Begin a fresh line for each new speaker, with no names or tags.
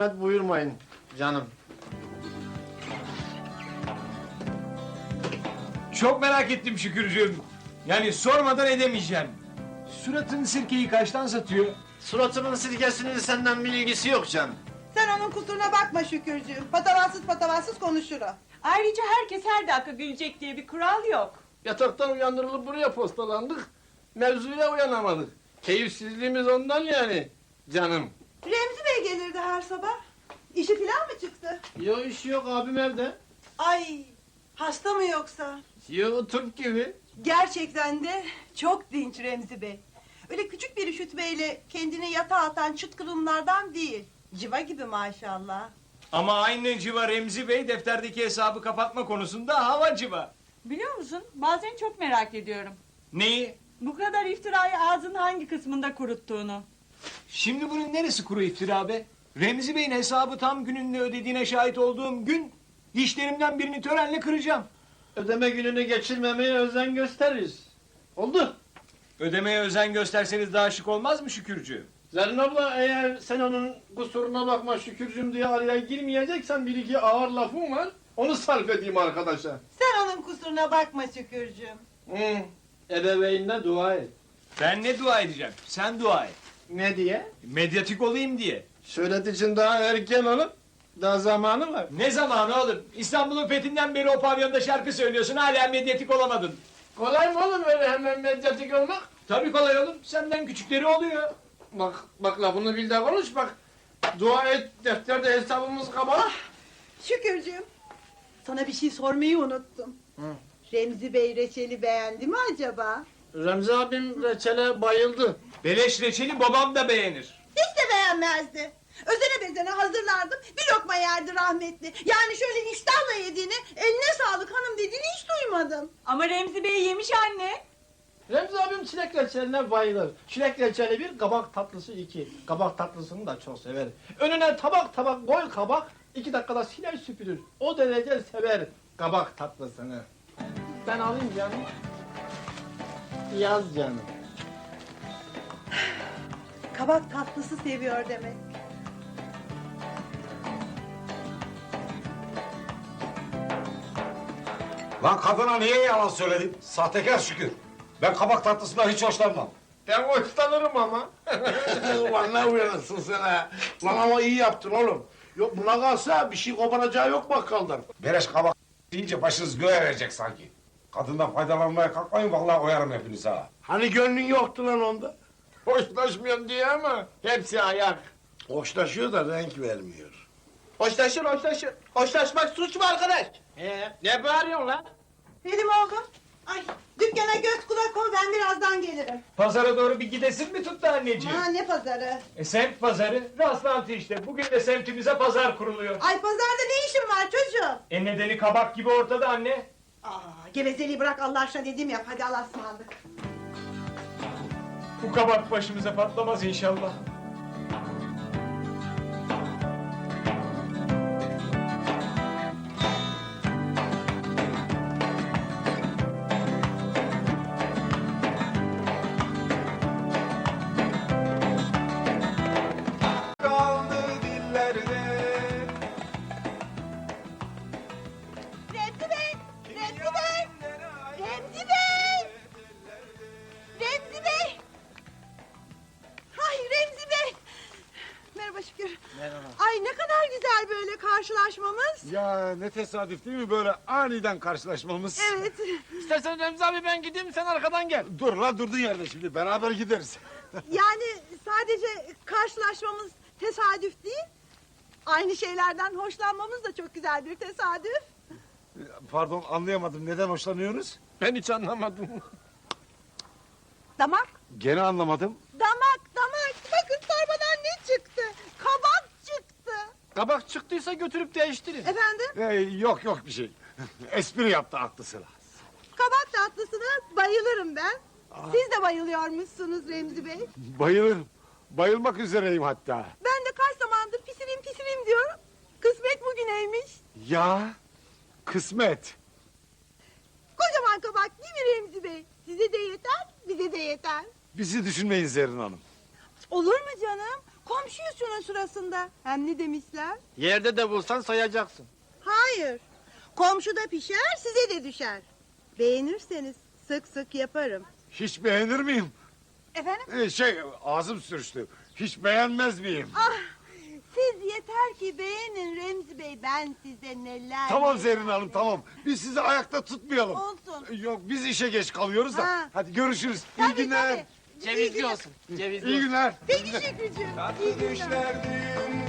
Buyurmayın canım.
Çok merak ettim Şükürcüğüm. Yani sormadan edemeyeceğim. Suratın sirkeyi kaçtan satıyor?
Suratımın sirkesinin senden bir ilgisi yok canım.
Sen onun kusuruna bakma Şükürcüğüm. Patavatsız konuşur o.
Ayrıca herkes her dakika gülecek diye bir kural yok.
Yataktan uyandırılıp buraya postalandık. Mevzuya uyanamadık. Keyifsizliğimiz ondan yani canım.
Remzi Bey gelirdi her sabah. İşi filan mı çıktı?
Yok iş yok, abim evde.
Ay, hasta mı yoksa?
Yok, Türk gibi.
Gerçekten de çok dinç Remzi Bey. Öyle küçük bir üşütmeyle kendini yatağa atan çıt kırımlardan değil. Civa gibi maşallah.
Ama aynı civa Remzi Bey defterdeki hesabı kapatma konusunda hava civa.
Biliyor musun? Bazen çok merak ediyorum.
Neyi?
Bu kadar iftirayı ağzının hangi kısmında kuruttuğunu.
Şimdi bunun neresi kuru iftira be? Remzi Bey'in hesabı tam gününde ödediğine şahit olduğum gün dişlerimden birini törenle kıracağım.
Ödeme gününü geçirmemeye özen gösteririz. Oldu.
Ödemeye özen gösterseniz daha şık olmaz mı Şükürcüğüm?
Zerrin abla, eğer sen onun kusuruna bakma Şükürcüm diye araya girmeyeceksen bir iki ağır lafım var. Onu sarf edeyim arkadaşa.
Sen onun kusuruna bakma Şükürcüğüm.
Ebeveynine dua et.
Ben ne dua edeceğim? Sen dua et.
Ne diye?
Medyatik olayım diye.
Söyledi için daha erken olup daha zamanı var.
Ne zamanı oğlum? İstanbul'un fethinden beri o pavyonda şarkı söylüyorsun, hala medyatik olamadın.
Kolay mı oğlum öyle hemen medyatik olmak?
Tabii kolay oğlum, senden küçükleri oluyor.
Bak lafını bil de konuş bak. Dua et, defterde hesabımız kabar.
Şükürcüğüm, sana bir şey sormayı unuttum. Remzi Bey reçeli beğendi mi acaba?
Remzi abim reçele bayıldı.
Beleş reçeli babam da beğenir.
Hiç de beğenmezdi. Özene bezene hazırlardım, bir lokma yerdi rahmetli. Yani şöyle iştahla yediğini, eline sağlık hanım dediğini hiç duymadım.
Ama Remzi Bey yemiş anne.
Remzi abim çilek reçeline bayılır. Çilek reçeli bir, kabak tatlısı iki. Kabak tatlısını da çok sever. Önüne tabak koy kabak, 2 dakikada siler süpürür. O derece sever kabak tatlısını. Ben alayım canım. Yaz canım.
Kabak tatlısı seviyor demek.
Lan kadına niye yalan söyledin? Sahtekar Şükür. Ben kabak tatlısından hiç hoşlanmam.
Ben hoşlanırım ama.
Ulan ne uyanırsın sen ha? Lan ama iyi yaptın oğlum. Yok buna kalsa bir şey koparacağı yok bakkaldan.
Beleş kabak deyince başınız göğe verecek sanki. Kadından faydalanmaya kalkmayın, vallahi oyarım hepinizi ha.
Hani gönlün yoktu lan onda?
Hoşlaşmıyorum diye ama hepsi ayak.
Hoşlaşıyor da renk vermiyor.
Hoşlaşır. Hoşlaşmak suç mu arkadaş? Ne bağırıyorsun lan?
Benim oğlum. Ay, dükkana göz kulak ol, ben birazdan gelirim.
Pazara doğru bir gidesin mi tuttu anneciğim?
Ha, ne pazarı?
Semt pazarı, rastlantı işte. Bugün de semtimize pazar kuruluyor.
Ay, pazarda ne işin var çocuğum?
Nedeni kabak gibi ortada anne.
Gevezeliği bırak Allah aşkına, dediğimi yap, hadi Allah'a ısmarladık.
Bu kabak başımıza patlamaz inşallah.
Kaldı dillerde.
Remzi Bey! Remzi Bey! Remzi Bey! Remzi Bey! Ay Remzi Bey! Merhaba Şükür.
Merhaba.
Ay ne kadar güzel böyle karşılaşmamız.
Ya ne tesadüf değil mi böyle aniden karşılaşmamız?
Evet.
İstersen Remzi abi ben gideyim, sen arkadan gel.
Dur lan durdun yerde şimdi, beraber gideriz.
Yani sadece karşılaşmamız tesadüf değil. Aynı şeylerden hoşlanmamız da çok güzel bir tesadüf.
Pardon, anlayamadım, neden hoşlanıyoruz?
Ben hiç anlamadım.
Damak,
Gene anlamadım.
damak. Bakın torbadan ne çıktı? Kabak çıktı.
Kabak çıktıysa götürüp değiştirin.
Efendim?
Yok bir şey. Espri yaptı aklı sıra.
Kabak tatlısına bayılırım ben. Siz de bayılıyormuşsunuz Remzi Bey.
Bayılırım. Bayılmak üzereyim hatta.
Ben de kaç zamandır pisirim diyorum. Kısmet bugüneymiş.
Ya kısmet.
Kocaman kabak değil mi Remzi Bey? Size de yeter, bize de yeter.
Bizi düşünmeyin Zerrin Hanım.
Olur mu canım? Komşuyuz şunun sırasında. Hem ne demişler?
Yerde de bulsan sayacaksın.
Hayır. Komşu da pişer, size de düşer. Beğenirseniz sık sık yaparım.
Hiç beğenir miyim?
Efendim?
Ağzım sürçtü. Hiç beğenmez miyim?
Ah, siz yeter ki beğenin Remzi Bey. Ben size neler...
Tamam
neler-
Zerrin Hanım tamam. Biz sizi ayakta tutmayalım.
Olsun.
Yok biz işe geç kalıyoruz da.
Ha.
Hadi görüşürüz.
Tabii,
İyi günler.
tabii.
Cevizli olsun. Cevizli
İyi günler.
Peki Şükrücüğüm. İyi günler.
Düşlerdim